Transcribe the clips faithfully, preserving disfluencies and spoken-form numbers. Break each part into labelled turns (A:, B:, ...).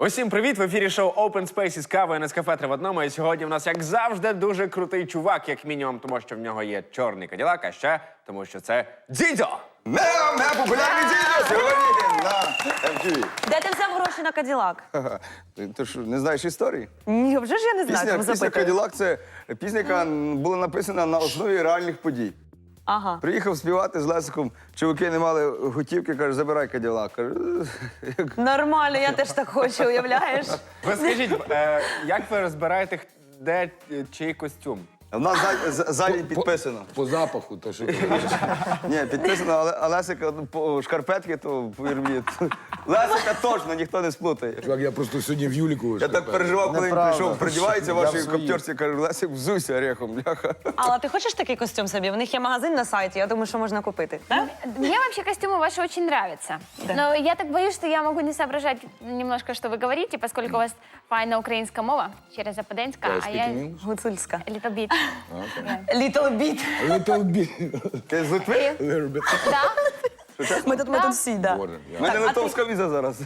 A: Усім привіт! В ефірі шоу Open Space із кавою Нескафе три в одному. І сьогодні в нас, як завжди, дуже крутий чувак, як мінімум, тому що в нього є чорний каділак, а ще тому що це Дідьо!
B: Мео, мео, популярний Дідьо сьогодні на ем ті ві.
C: Де ти взяв гроші на Каділак?
B: Ха-ха. Ти, ти що, не знаєш історії?
C: Ні, вже ж я не знаю,
B: Пісня,
C: тому
B: пісня
C: запитую.
B: «Каділак» – це пісня, яка була написана на основі реальних подій.
C: Ага.
B: Приїхав співати з Лесиком, чуваки не мали готівки, каже, забирай Каділак. Кажу, як...
C: Нормально, я теж так хочу, уявляєш?
A: Ви скажіть, е, як ви розбираєте, де е, чий костюм?
B: В нас ззаді- з- ззаді підписано.
D: По запаху, то що ти кажеш.
B: Ні, підписано, але а Лесика ну, по шкарпетки, то повір мені. то- Лесика точно ніхто не сплутає.
D: Чувак, я просто сьогодні в Юліку.
B: Я так переживав, коли він
D: Неправда.
B: прийшов, придівається
D: Я
B: вашій
D: в своїй.
B: коптерці, кажу, Лесик, взуйся орехом, бляха.
C: Алла, ти хочеш такий костюм собі? В них є магазин на сайті, я думаю, що можна купити. Так?
E: Мне вообще костюмы ваши очень нравятся. Но я так боюсь, что я могу не соображать немножко, что вы говорите, поскольку у вас файна українська мова, через Западенська, а я
C: Гуцульська.
E: little bit.
C: Little bit.
D: Little bit.
B: Ти з Литви?
D: Little bit.
E: Да?
C: Ми тут, ми тут всі, да.
D: Боже,
B: У мене литовська віза зараз.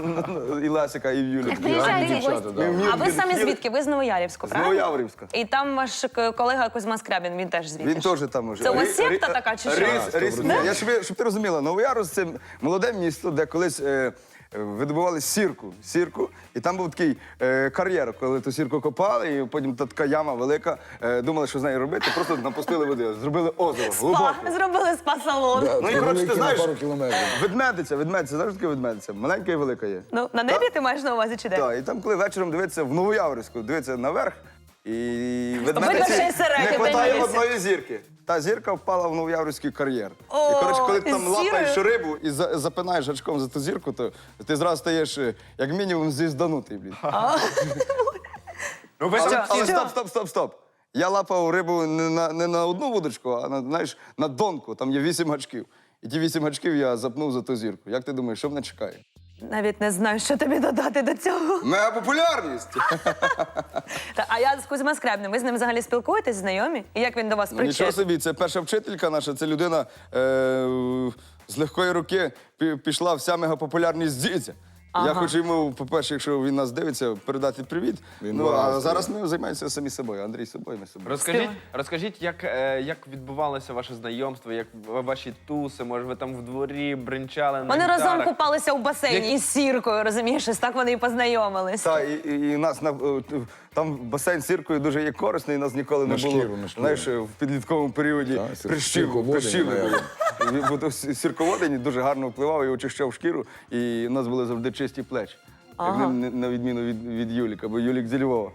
B: І Лесика, і в Юлі.
E: Так приїжджайте в
D: дівчата,
E: гості.
D: да.
C: А ви самі звідки? Ви з Новоярівську,
B: З
C: правильно?
B: Новояврівська.
C: І там ваш к- колега Кузьма Скрябін, він теж звідти.
B: Він
C: ж?
B: теж там уже.
C: Це у вас
B: Рі-
C: секта
B: рі-
C: така чи що?
B: Ріс, ріс, ні, я щоб, щоб ти розуміла, Новояроз – це молоде місто, де колись е, видобували сірку, сірку, і там був такий е, кар'єр, коли ту сірку копали, і потім та така яма велика, е, думали, що з нею робити, просто напустили води, зробили озеро, глибоке.
C: Спа, зробили спа-салон.
D: Да,
B: Ну і
D: це
B: коротше, ти
D: великий на
B: знаєш,
D: пару кілометрів.
B: ведмедиця, ведмедиця, знаєш, що таке ведмедиця? Маленька і велика є.
C: Ну, на небі ти маєш на увазі чи де?
B: Так, і там, коли вечором дивиться в Новояврівську, дивиться наверх, і
C: Видно,
B: ведмедиці
C: ще й середньо
B: не вистачає
C: дивиться.
B: одної зірки. Та зірка впала в Новояврівський кар'єр.
C: О,
B: І, коротше, коли ти
C: із
B: там лапаєш
C: сірою?
B: рибу і за- запинаєш гачком за ту зірку, то ти зразу стаєш, е, як мінімум, звізданутий, блін.
A: Ну ви ж
B: Але,
A: це
B: але
A: всі...
B: стоп, стоп, стоп, стоп. Я лапав рибу не на, не на одну вудочку, а на, знаєш, на донку. Там є вісім гачків. І ті вісім гачків я запнув за ту зірку. Як ти думаєш, що мене чекає?
C: Навіть не знаю, що тобі додати до цього.
B: Мегапопулярність!
C: Та, а я з Кузьма Скрябним, ви з ним взагалі спілкуєтесь, знайомі? І як він до вас
B: Ну, нічого
C: причетний?
B: собі, це перша вчителька наша, це людина е, з легкої руки пі- пішла вся мегапопулярність дідя. Я
C: Ага.
B: хочу йому, по-перше, якщо він нас дивиться, передати привіт.
D: Він
B: Ну, а
D: багатий.
B: зараз ми займаємося самі собою. Андрій собою, ми собою.
A: Розкажіть, розкажіть, як, е, як відбувалося ваше знайомство, як в- ваші туси, може ви там в дворі бринчали на
C: Вони разом
A: гітарах?
C: купалися у басейні із сіркою, розумієш? Ось так вони і познайомились.
B: Так, і, і, і нас на, е, там басейн з сіркою дуже є корисний, нас ніколи не
D: На
B: було.
D: шкіру, на шкіру.
B: Знаєш, в підлітковому періоді
D: Так, сір-
B: прищів,
D: сірководень,
B: прищів не
D: наверно.
B: було. Бо то сірководень дуже гарно впливав і очищав шкіру, і у нас були завжди чисті плечі. Як
C: Ага.
B: на, на відміну від, від Юліка, бо Юлік зі Львова.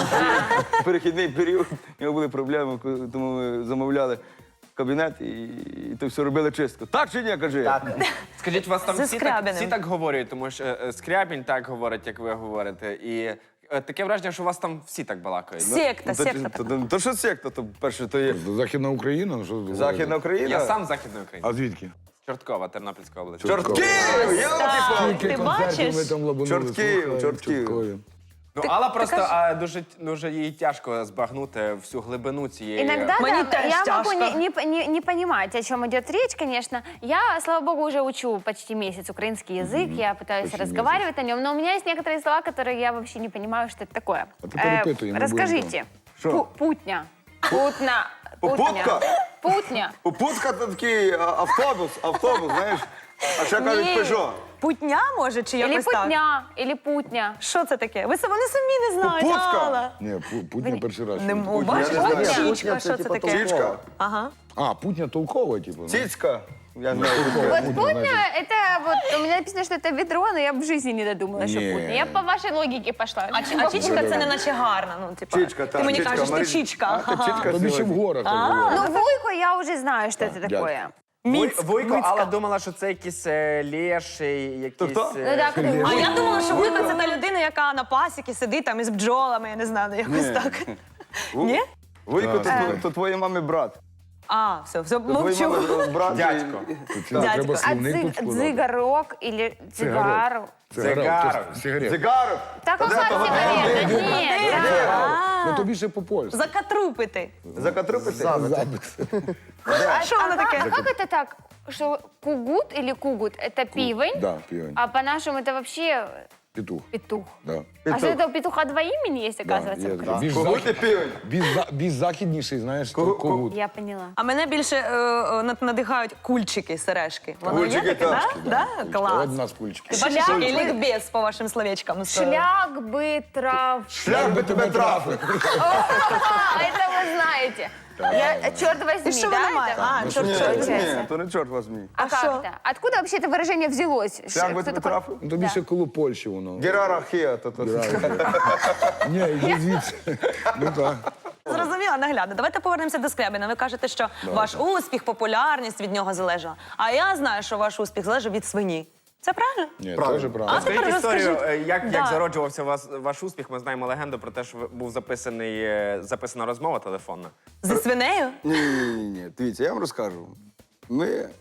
B: Перехідний період, у нього були проблеми, тому ми замовляли кабінет і, і то все робили чистку. Так чи ні, кажи? Так.
A: Скажіть, вас там
C: Зі
A: всі так,
C: Скрябіним.
A: всі так говорять, тому що е, Скрябін так говорить, як ви говорите. І е, таке враження, що у вас там всі так балакають.
C: Секта,
B: То,
C: секта
B: то,
C: така.
B: то, то що секта, то перше, то є
D: Західна Україна? Ну, що ви
B: Західна
D: говорите?
B: Україна.
A: Я сам з Західної України.
D: А звідки?
A: Чорткова, Тернопільська область.
B: Чортків! Я
C: Так,
B: лапі
C: ти бачиш?
D: Ми там лабанули,
B: Чортків,
D: слухай,
B: чортків.
D: Чорткові.
A: Ну, Алла просто а, дуже, дуже їй тяжко збагнути всю глибину цієї.
E: Иногда,
C: Мне
E: да,
C: тоже
E: я могу
C: тяжко.
E: не, не, не, не понимать, о чем идет речь, конечно. Я, слава богу, уже учу почти месяц украинский язык, я пытаюсь
D: Почти
E: разговаривать на нем, но у меня есть некоторые слова, которые я вообще не понимаю, что это такое.
D: А ты перепытывай, мы
E: расскажите.
B: Что?
E: Пу- Путня. Путня.
B: Попутка?
E: Путня.
B: Попутка – це такий а, автобус, автобус, знаєш. А ще кажуть
E: Ні.
B: Пежо.
C: Путня, може, чи
E: Или
C: якось так?
E: путня, или путня.
C: Що це таке? Ви са- вони самі не знають,
B: Попутка.
C: Алла.
D: Ні, Пу- Путня перший раз.
C: Не
D: чую.
C: м- бачиш,
B: я не
C: от
B: знаю.
C: чічка, що це таке?
B: Чічка,
C: Ага.
D: А, Путня толкова, типу. ну.
B: цицька. Я знаю.
E: Вот
D: Путня,
E: путня,
D: значит.
E: это вот, у меня написано, что это ведро, но я в жизни не додумалась, что
D: Не.
E: путня. Я по вашей логике пошла.
C: А, чи- а чічка це не наче гарна, ну, типа.
B: Чічка,
C: Ти
B: так.
C: мені
B: чічка,
C: кажеш, ти
B: Марі-
C: чічка.
B: А, ти чічка
D: Тобі ще в
B: сьогодні.
D: горах так говорять.
E: Ну, вуйко я уже знаю, что это
D: дядька.
E: такое.
C: Міць,
A: Вуйко,
C: Мицька.
A: Алла думала, що це якісь е, леші, якісь...
B: хто?
A: е,
E: Ну, так, ты
C: А я думала, що Вуйка це та людина, яка на пасіки сидить там із бджолами, я не знаю, якось
B: Ні.
C: так.
B: Ву-
C: Ні?
B: Вуйко, то,
D: Так.
B: то, то твоєї мами брат.
C: А, все, все,
B: То твоєї
C: мовчу.
B: мами брат.
A: Дядько.
D: Тут це
C: Дядько.
D: треба
E: А
D: словник тут
E: дзиг,
D: складати.
E: дзигарок или цигару?
A: Цигарок.
D: Сигарет.
B: Цигарок.
E: Так, какая сигарета? Нет, да.
D: Ну тобі ще по-польськи.
C: Закатрупити.
B: Закатрупити?
E: А,
C: Що
E: а
C: воно
E: как,
C: таке?
E: а как это так, что кугут или кугут – это пивень,
D: Да, півень.
E: а по-нашему это вообще
D: Петух.
E: Петух.
D: Да.
E: А что, это у петуха два имени есть,
D: Да,
E: оказывается?
D: є
E: в
D: такий.
E: Крыму?
D: Більш,
B: Когут і
D: захід...
B: півень.
D: більш, за- більш західніший, знаєш,
B: Кого-
D: то когут.
E: Я поняла.
C: А мене більше е, е, над- надихають кульчики, сережки. Воно
B: Кульчики,
C: є таке,
B: так.
C: да? Да? Клас.
D: Одна з кульчиків.
C: Ти бачиш,
E: Шляпи.
C: який лікбез по вашим словечкам.
E: Шлях бы трав...
B: Шлях би тебе трафив.
E: А, это вы знаете. Я, черт возьми,
C: Ти що
E: да?
C: вона має?
E: это?
C: А,
B: Ні,
C: чорт,
B: ні,
C: чорт.
B: ні, то не чорт возьмі.
E: А,
C: А
E: как
C: шо?
E: то? Откуда вообще это выражение взялось?
B: Шлях би
E: Кто
B: тебе
E: такой?
B: трафив.
D: Ну, то більше коло Польщі воно.
B: Герархія, то то.
D: Ні, йди звідси. Ну так.
C: Зрозуміло, наглядно. Давайте повернемося до Скрябіна. Ви кажете, що ваш успіх, популярність від нього залежала. А я знаю, що ваш успіх залежав від свині. Це правильно?
D: Ні,
B: Правильно.
D: теж
C: А
D: правильно.
C: тепер
A: Скажіть історію,
C: розкажіть.
A: е, як,
C: Да.
A: як зароджувався вас, ваш успіх. Ми знаємо легенду про те, що ви- був записаний, е, записана розмова телефонна.
C: Зі свинею?
B: Ні, ні, ні, ні. Дивіться, я вам розкажу. Ми,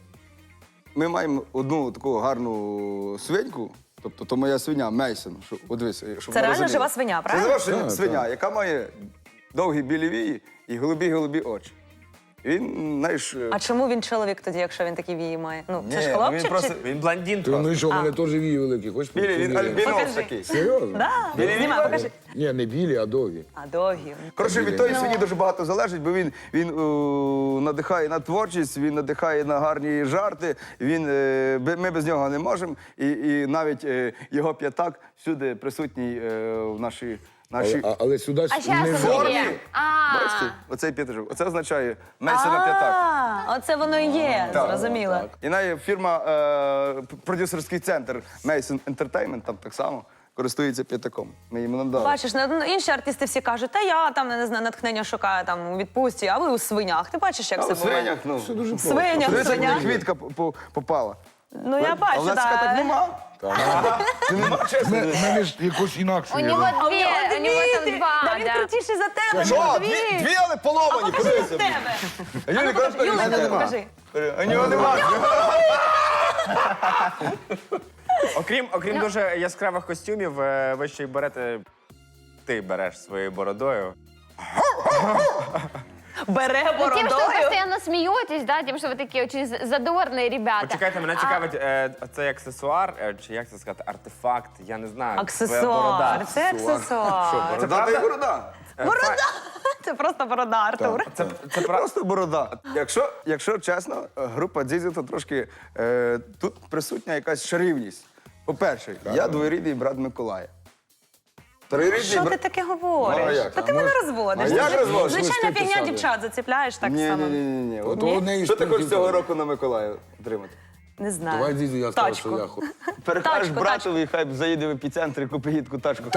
B: ми маємо одну таку гарну свиньку, тобто то моя свиня Мейсон. Що, от дивись, щоб
C: Це
B: ви
C: реально
B: розуміли.
C: жива свиня, правильно?
B: Це жива
D: Так,
B: свиня,
D: так.
B: яка має довгі білі вії і голубі-голубі очі. Він, знаєш, е,
C: А чому він чоловік тоді, якщо він такі вії має? Ну, це
B: Ні,
C: ж
B: ну,
C: хлопчик?
B: він просто-
C: чи...
A: Він блондин
D: Ти, ну
A: просто.
D: і що, в мене теж вії великі. Хочеш
B: білий, він
D: поміряти?
B: альбінос
C: Покажи.
B: такий.
D: Серйозно?
C: Да. Знімай, покажи.
D: Ні, не білі, а довгі.
C: А довгі.
B: Коротше, від тої свині дуже багато залежить, бо він, він е, надихає на творчість, він надихає на гарні жарти. Він, е, бе- ми без нього не можемо. І, і навіть е, його п'ятак всюди присутній е, в нашій. нашій...
D: Але, а- але сюди
E: А сейчас
D: не
E: он
B: формі.
E: где? А,
B: Бачите, оцей п'ятажок. Оце означає Мейсона п'ятак.
C: А, оце воно і є,
B: Так.
C: зрозуміло.
B: І навіть фірма, е, продюсерський центр Mason Entertainment там так само користується п'ятаком. Ми йому надали.
C: Бачиш, ну, інші артисти всі кажуть, та я там, не знаю, натхнення шукаю там у відпустці, а ви у свинях. Ти бачиш, як
B: А
C: це
B: у
C: буває?
B: свинях, ну.
D: Все дуже просто.
C: Свинях,
B: Дивіться, як
C: свинях.
B: мені квітка по- по- попала.
C: Ну я
B: А
C: бачу,
B: в нас
C: так.
B: так нема. Ти нема, чесно?
D: У мене ж якось інакше.
E: у
D: є,
E: него
D: да.
C: А у
E: две,
C: нього
E: у него
C: дві,
E: там
C: ти-
E: два,
C: да, він
E: да.
C: крутіший за тебе,
B: Що?
C: ну,
B: Дві,
C: дві.
B: дві, але
C: А
B: поломані,
C: покажи
B: подивися.
C: в тебе.
B: А Юлі,
C: Покажи,
B: кажеш,
C: Юлика,
B: нема.
C: покажи.
B: А нього нема.
A: Окрім,
C: Ну.
A: окрім дуже яскравих костюмів, е, ви ще й берете. Ти береш своєю бородою.
C: Бере
E: Ну, тем, что вы
C: бородою.
E: постоянно смеетесь, да, тем, что вы такие очень з- задорные ребята.
A: Почекайте, мене цікавить, е, це аксесуар, е, чи як це сказати, артефакт, я не знаю. твоя
C: Аксесуар.
A: борода.
C: Це аксесуар.
B: Борода та й борода.
C: Борода. Це просто борода, Артур.
A: Це, це про...
B: Просто борода. Якщо, якщо чесно, група Дзізі, то трошки е, тут присутня якась шарівність. По-перше, я двоюрідний брат Миколая. Троюрідний
C: Що ти
B: брат...
C: таке
B: Ну, а
C: говориш?
B: як?
C: Та ти
B: А
C: мене
B: може-
C: розводиш.
B: А як
C: Ти-
B: розводиш?
C: Звичайна
D: Листи
C: фігня
D: писали.
C: дівчат заціпляєш так
B: Ні,
C: само.
B: ні, ні, ні, ні.
D: Ото
B: Ні.
D: у неї
B: Що ти хочеш
D: спортивка.
B: цього року на Миколая отримати?
C: Не знаю.
D: Давай, дідю, я скажу,
C: Тачку.
D: що я хочу.
B: Перекажеш
C: Тачку,
B: братові, хай заїде в епіцентр і купить їдку тачку.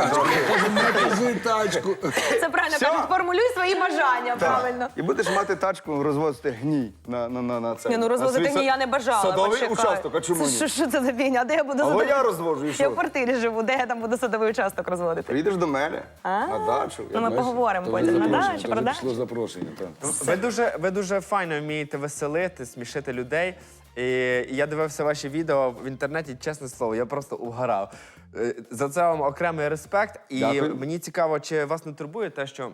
D: Не кажи тачку.
C: Це правильно
B: Всьо.
C: кажуть, формулюй свої бажання, правильно.
B: І будеш мати тачку, розвозити гній на, на, на, на це.
C: Ні, ну
B: на
C: розвозити
B: свій
C: ні, я не бажала.
B: Садовий
C: почекай.
B: участок, а чому
C: Це
B: ні?
C: Що, що це за фігня? Де я буду
B: Або
C: садовий?
B: я розвожу, і
C: Я
B: що?
C: в квартирі живу, де я там буду садовий участок розводити?
B: Приїдеш до мене на дачу.
C: Ну, ми
B: я-
C: поговоримо
D: То
C: потім. На
D: запрошення,
C: дачі,
D: то
C: про
D: вже
C: дачу.
D: пішло запрошення, так.
A: Ви дуже, ви дуже файно вмієте веселити, смішити людей. І я дивився ваші відео в інтернеті, чесне слово, я просто угорав. Е, За це вам окремий респект. І
B: Дякую.
A: мені цікаво, чи вас не турбує те, що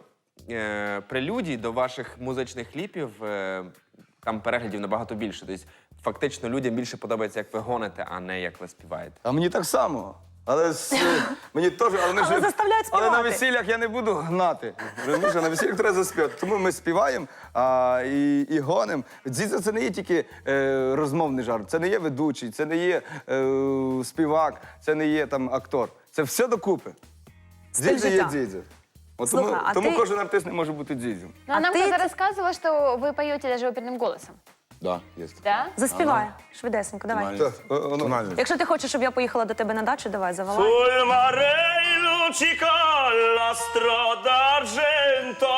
A: е, прелюдій до ваших музичних кліпів е, там переглядів набагато більше. Тобто, фактично, людям більше подобається, як ви гоните, а не як ви співаєте.
B: А мені так само. Але з, мені теж, але, ми
C: Але
B: ж-
C: заставляють
B: але на
C: співати.
B: весіллях я не буду гнати. Розумієш, а на весіллях треба заспівати. Тому ми співаємо а, і, і гонимо. Дзідзо це не є тільки е, розмовний жарт, це не є ведучий, це не є е, співак, це не є там актор. Це все докупи.
C: Стиль
B: Дзідзо є
C: життя.
B: дзідзо. От
C: Слухай,
B: тому
C: а
B: тому
C: ти-
B: кожен артист не може бути дзідзом.
E: Ну, а
C: А
E: нам
C: ты-
E: кто-то рассказывал, что вы поете даже оперным голосом.
D: Да, є.
E: Да?
C: Заспівай, швидесенько, давай.
B: Так, о, воно-
D: Тональність.
C: Якщо ти хочеш, щоб я поїхала до тебе на дачу, давай, завалай.
F: Sul mare luccica la strada d'argento,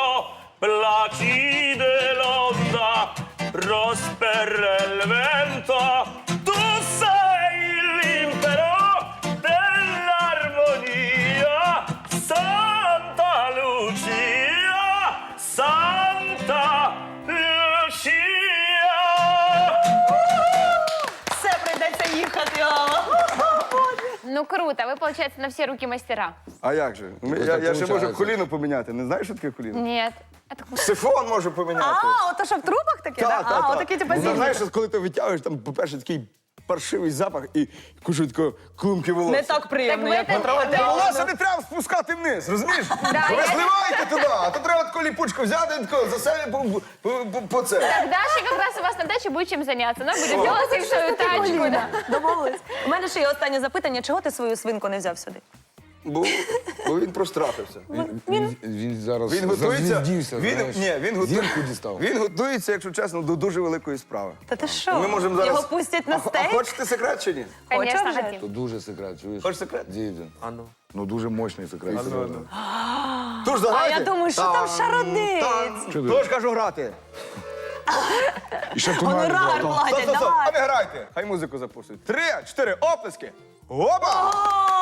F: placide l'onda, prosperre il vento. Tu sei l'impero dell'armonia, Santa Lucia, Santa Lucia.
C: Все, прийдеться їхати.
E: Ну, круто. Вы, получается, на все руки мастера.
B: А як же? Ми-
D: Ось
B: Я,
D: так
B: я ще можу
D: получається.
B: коліно поміняти. Не знаєш, що таке коліно?
E: Нет. Это ку-
B: Сифон можу поміняти.
C: А, ото що в трубах таке,
B: Та,
C: да?
B: та,
C: А,
B: та.
C: отакі типу
B: Ну,
C: зімні.
B: знаєш, коли ти витягуєш, там, по-перше, такий паршивий запах і кушаю такого клумки волосся.
C: Не так приємно,
E: Так
C: як
E: ви-
C: потрогати.
B: Та волосся не треба спускати вниз, розумієш? Ви
E: я-
B: зливаєте туди, а то треба таку ліпучку взяти і тако за себе по, по, по, по це.
E: Так, Даша как раз у вас на даче будет чем заняться. Она будет делать им свою тачку. Да.
C: Домовились. У мене ще є останнє запитання. Чого ти свою свинку не взяв сюди?
B: Бо, бо він прострафився.
D: Він, він, він зараз
B: Він готується.
D: зазвіздівся,
B: Він,
D: знаєш.
B: ні, він, готує,
D: Зірку дістав.
B: він готується, якщо чесно, до дуже великої справи.
C: Та ти що?
B: Ми можемо зараз...
C: Його пустять на
B: А, а
C: стейк?
B: хочете секрет чи ні?
E: Конечно,
C: Хочешь же?
E: хотим.
D: То дуже секрет, чуєш?
B: Хочеш секрет?
D: Дідю.
A: А ну.
D: Ну дуже мощний секрет. серйозно.
B: Тож
C: А
B: заграйте.
C: я думаю, що там шародить?
D: Що ти?
B: Тож кажу грати.
D: І ще тунель
C: Гонорар
D: брав.
B: Стоп,
C: платять,
B: стоп, стоп. А
C: давай.
B: ви грайте. Хай музику запустять. Три, чотири, оплески. Опа!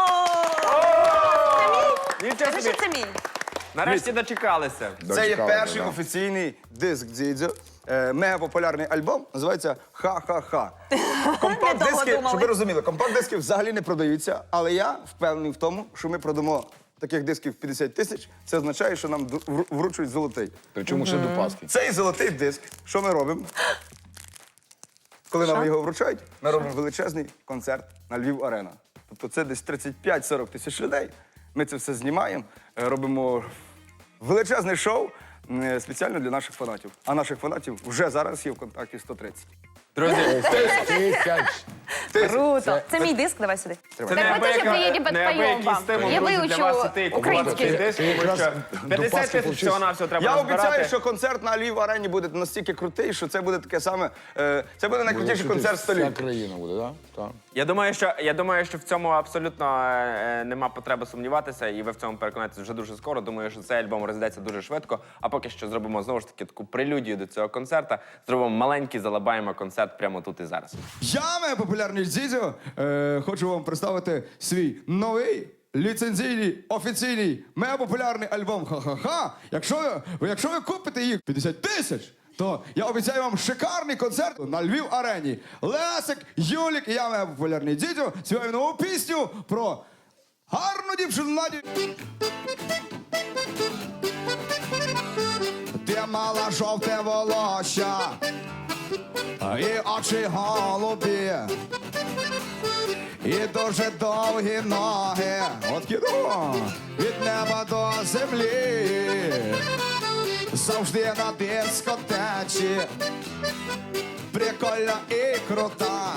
A: Нічого
C: Скажи,
A: собі.
C: що це мій.
A: Нарешті дочекалися.
B: Це є
D: Дочекалися,
B: перший
D: да.
B: офіційний диск Дзідзьо. Е, Мегапопулярний альбом, називається Ха-ха-ха. Компакт-диски,
C: думали.
B: щоб ви розуміли, компакт-диски взагалі не продаються, але я впевнений в тому, що ми продамо таких дисків п'ятдесят тисяч. Це означає, що нам ду- вру- вручують золотий.
D: Причому ще до Пасхи.
B: Цей золотий диск, що ми робимо? Коли нам його вручають, ми робимо величезний концерт на Львів Арена. Тобто це десь тридцять п'ять сорок тисяч людей. Ми це все знімаємо, е, робимо величезне шоу е, спеціально для наших фанатів. А наших фанатів вже зараз є в контакті сто тридцять.
A: Друзі,
D: Тисяч.
C: Круто. Це мій диск, давай сюди.
A: це
E: Так мы тоже приедем, подпоем
A: неабиякий
E: вам.
A: стимул,
E: Я
A: друзі, для
E: выучу
A: вас іти і купувати
E: украинский.
A: цей диск,
D: Ти
A: тому
D: якраз
A: що
D: до
A: п'ятдесят
D: Пасхи
A: тисяч
D: повчився.
A: всього-навсього треба
B: Я
A: назбирати.
B: обіцяю, що концерт на Львів Арені буде настільки крутий, що це буде таке саме. е, Це буде найкрутіший концерт в
D: Вся
B: столі.
D: країна буде, так? Так.
A: Я думаю, що я думаю, що в цьому абсолютно е, нема потреби сумніватися, і ви в цьому переконаєтеся вже дуже скоро. Думаю, що цей альбом розійдеться дуже швидко. А поки що зробимо знову ж таки таку прелюдію до цього концерта. Зробимо маленький, залабаємо концерт прямо тут і зараз.
B: Я, моя популярний Дзідзьо, е, хочу вам представити свій новий ліцензійний, офіційний, мега популярний альбом «Ха-ха-ха». Якщо ви, якщо ви купите їх п'ятдесят тисяч, то я обіцяю вам шикарний концерт на Львів Арені. Лесик, Юлік і я, моя популярний Дзідзьо, співаємо нову пісню про гарну дівчину Надю. Ти мала жовте волосся і очі голубі, і дуже довгі ноги, от кіно, від неба до землі, завжди на дискотечі, прикольна і крута,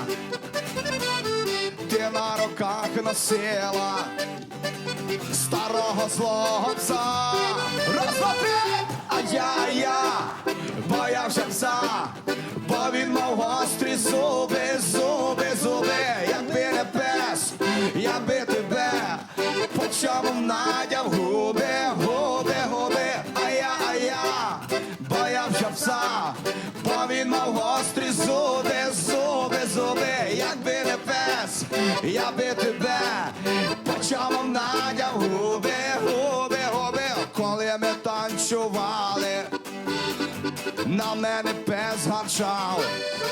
B: ти на руках носила старого злого пса. Раз, два, три, а я, я боявся пса, бо він мав гострі зуби, зуби, зуби. Якби не пес, я би тебе по чому надяв губи, губи, губи. А я, а я боявся пса, бо він мав гострі зуби, зуби, зуби. Якби не пес, я би тебе по чому надяв губи, губи, губи. Коли ми танцювали, на мене пес гарчав,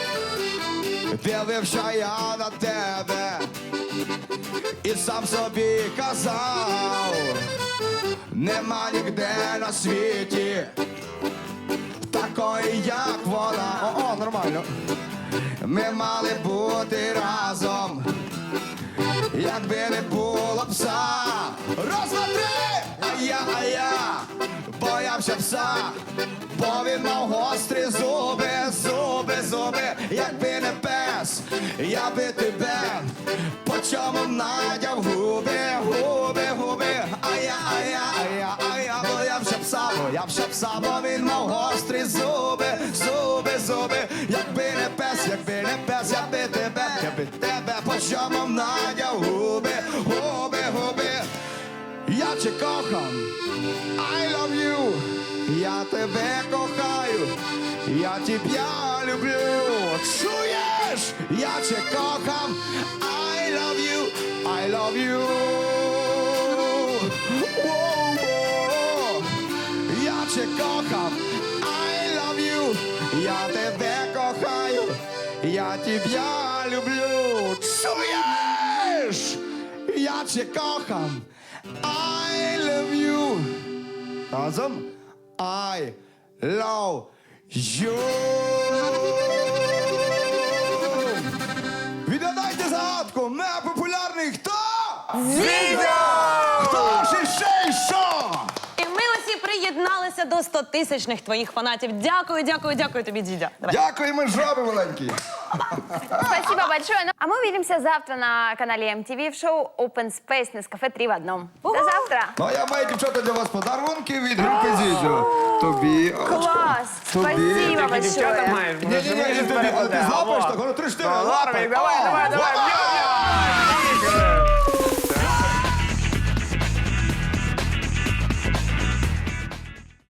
B: дивився я на тебе і сам собі казав, нема ніде на світі такої, як вона. О, о, нормально. Ми мали бути разом, якби не було пса. Раз, два, три, а я, а я боявся пса, бо він мав гострі зуби, зуби, зуби. Якби не пес, я би тебе по чому надяв губи, губи, губи. А я, а я, а я, а я боявся пса, боявся пса, бо він мав гострі зуби, зуби, зуби. Якби не пес, якби не пес, я би тебе, я би тебе по чому надяв губи, губи, губи. Я тебе кохам, I love you, я тебе кохаю, я тебя люблю. Чуєш? Я тебе кохам, I love you, I love you. Воу-воу. Я тебе кохам, I love you, я тебе кохаю, я тебя люблю. Чуєш? Я тебе кохам, I love you. Разом. I love you. Відео сотку мегапопулярний хто?
C: Зідя!
B: Хто ж іще що?
C: І ми усі приєдналися до стотисячних твоїх фанатів. Дякую, дякую, дякую тобі, Дідя. Давай.
B: Дякуємо, жаби маленькі.
E: Спасибо большое. Ну, а мы увидимся завтра на канале эм ти ви в шоу Open Space Nescafe три в одном. До завтра.
B: Ну, а я маю, дівчата, для вас подарунки від групи Зідзю. Тобі.
E: Класс.
B: Тобі.
E: Спасибо
A: Дівчата
E: большое.
A: маєш,
B: Ні, ні, ні, ти, ти, ти злапаєш так, воно три-чотири. Лапай.
A: давай, давай, давай.
B: Лапай.